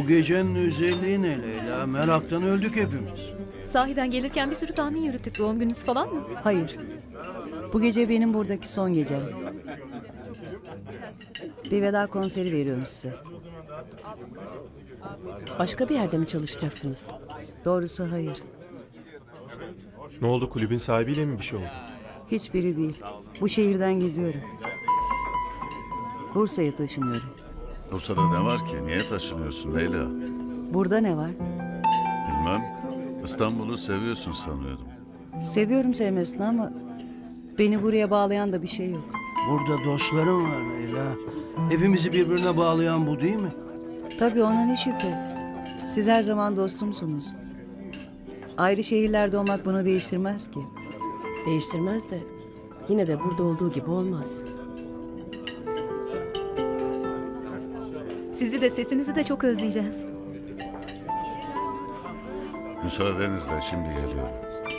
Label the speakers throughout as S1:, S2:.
S1: gecenin özelliği ne Leyla? Meraktan öldük hepimiz.
S2: Sahiden gelirken bir sürü tahmin yürüttük. Doğum gününüz falan mı?
S3: Hayır. Bu gece benim buradaki son gecem. Bir veda konseri veriyorum size.
S4: Başka bir yerde mi çalışacaksınız?
S3: Doğrusu hayır.
S5: Ne oldu, kulübün sahibiyle mi bir şey oldu?
S3: Hiçbiri değil. Bu şehirden gidiyorum. Bursa'ya taşınıyorum.
S6: Bursa'da ne var ki? Niye taşınıyorsun Leyla?
S3: Burada ne var?
S6: Bilmem. İstanbul'u seviyorsun sanıyordum.
S3: Seviyorum sevmesini ama beni buraya bağlayan da bir şey yok.
S1: Burada dostlarım var Leyla. Hepimizi birbirine bağlayan bu değil mi?
S3: Tabii ona ne şüphe. Siz her zaman dostumsunuz. Ayrı şehirlerde olmak bunu değiştirmez ki.
S4: Değiştirmez de yine de burada olduğu gibi olmaz.
S2: Sizi de sesinizi de çok özleyeceğiz.
S6: Müsaadenizle şimdi geliyorum.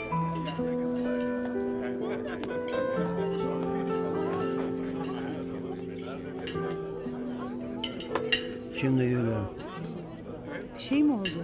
S1: Şimdi geliyorum.
S3: Bir şey mi oldu?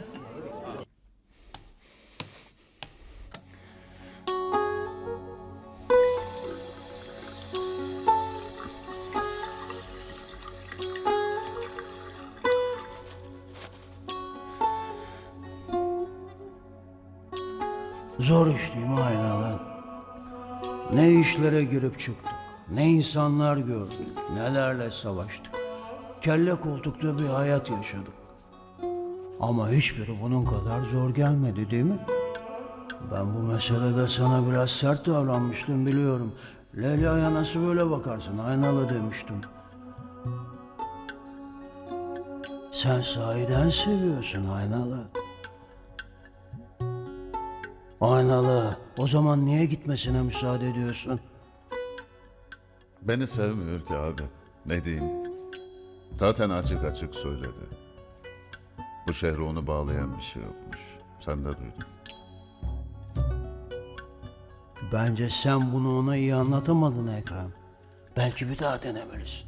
S1: Zor iş değil mi aynalar? Ne işlere girip çıktık, ne insanlar gördük, nelerle savaştık. Kelle koltukta bir hayat yaşadık. Ama hiçbiri bunun kadar zor gelmedi değil mi? Ben bu meselede sana biraz sert davranmıştım biliyorum. Leyla'ya nasıl böyle bakarsın aynalı demiştim. Sen sahiden seviyorsun aynalı. Aynalı, o zaman niye gitmesine müsaade ediyorsun?
S6: Beni sevmiyor ki abi. Ne diyeyim? Zaten açık açık söyledi. Bu şehre onu bağlayan bir şey yokmuş. Sen de duydun.
S1: Bence sen bunu ona iyi anlatamadın Ekrem. Belki bir daha denemelisin.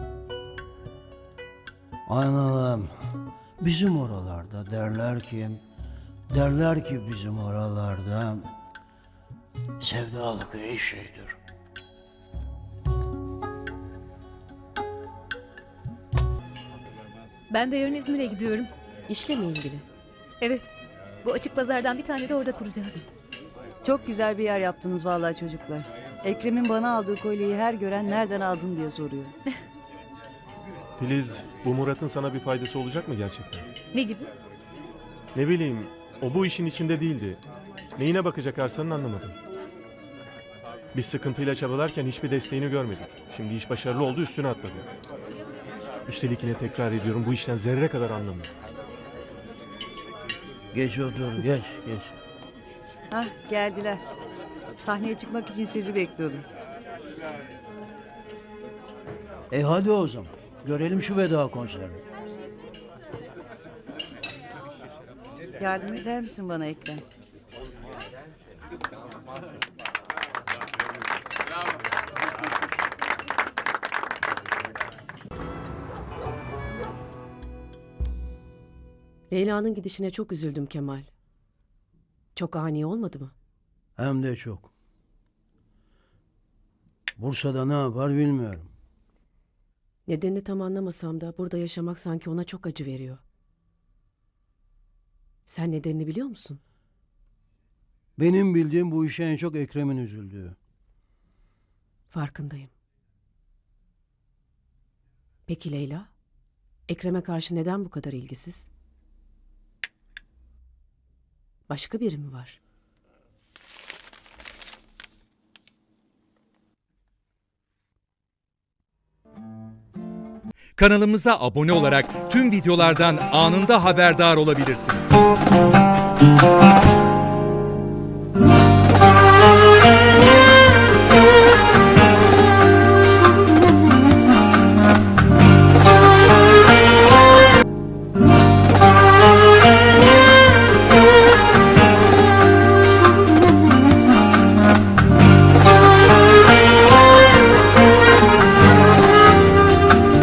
S1: Aynalım, bizim oralarda derler ki bizim oralarda sevdalık iyi şeydir.
S2: Ben de yarın İzmir'e gidiyorum.
S4: İşle mi ilgili?
S2: Evet. Bu açık pazardan bir tane de orada kuracağız.
S3: Çok güzel bir yer yaptınız vallahi çocuklar. Ekrem'in bana aldığı kolyeyi her gören nereden aldın diye soruyor.
S5: Filiz, bu Murat'ın sana bir faydası olacak mı gerçekten?
S2: Ne gibi?
S5: Ne bileyim, o bu işin içinde değildi. Neyine bakacak Arslan'ın anlamadım. Biz sıkıntıyla çabalarken hiçbir desteğini görmedik. Şimdi iş başarılı oldu, üstüne atladı. Üstelik yine tekrar ediyorum, bu işten zerre kadar anlamıyor.
S1: Geç otur, geç.
S3: Hah geldiler. Sahneye çıkmak için sizi bekliyordum.
S1: Hadi o zaman, görelim şu veda konserini.
S3: Yardım eder misin bana Ekrem?
S4: Leyla'nın gidişine çok üzüldüm Kemal. Çok ani olmadı mı?
S1: Hem de çok. Bursa'da ne yapar bilmiyorum.
S4: Nedenini tam anlamasam da burada yaşamak sanki ona çok acı veriyor. Sen nedenini biliyor musun?
S1: Benim bildiğim bu işe en çok Ekrem'in üzüldüğü.
S4: Farkındayım. Peki Leyla? Ekrem'e karşı neden bu kadar ilgisiz? Başka biri mi var?
S7: Kanalımıza abone olarak tüm videolardan anında haberdar olabilirsiniz.